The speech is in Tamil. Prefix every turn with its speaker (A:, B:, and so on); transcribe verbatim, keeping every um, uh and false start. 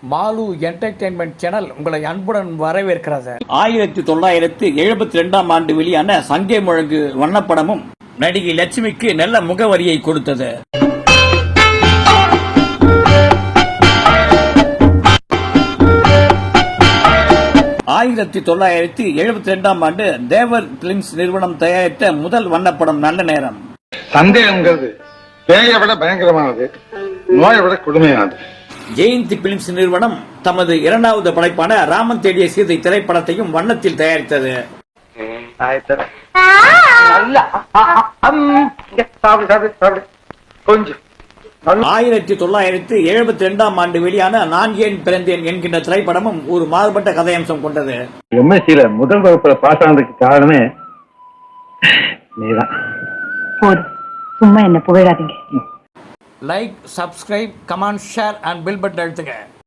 A: மாலு என்டர்டெயின்மெண்ட் சேனல் உங்களை அன்புடன் வரவேற்கிறது.
B: ஆயிரத்தி தொள்ளாயிரத்தி எழுபத்தி ரெண்டாம் ஆண்டு வெளியான சங்கே முழங்கு வண்ணப்படமும் நடிகை லட்சுமிக்கு நல்ல முகவரியை கொடுத்தது. ஆயிரத்தி தொள்ளாயிரத்தி எழுபத்தி ரெண்டாம் ஆண்டு தேவர் பிலிம்ஸ் நிறுவனம் தயாரித்த முதல் வண்ணப்படம் நல்ல நேரம்.
C: சந்தேகங்கிறது பேயை விட பயங்கரமானது, நோயை விட கொடுமையானது.
B: ஜெயந்தி பிலிம்ஸ் நிறுவனம் தமது இரண்டாவது படைப்பான ராமன் தேடிய சீதை திரைப்படத்தையும் வண்ணத்தில் தயாரித்தது. ஆயிரத்தி தொள்ளாயிரத்தி எழுபத்தி ரெண்டாம் ஆண்டு வெளியான நான் ஏன் பிறந்தேன் என்கின்ற திரைப்படமும் ஒரு மாறுபட்ட கதையம்சம் கொண்டது.
C: எம்எஸ்சியில முதல் வகுப்புல பாஸ் ஆனதுக்கு காரணமே நீதான்.
D: சும்மா என்ன புகழாதீங்க.
A: Like, subscribe, comment, share and bell button அழுத்துங்க.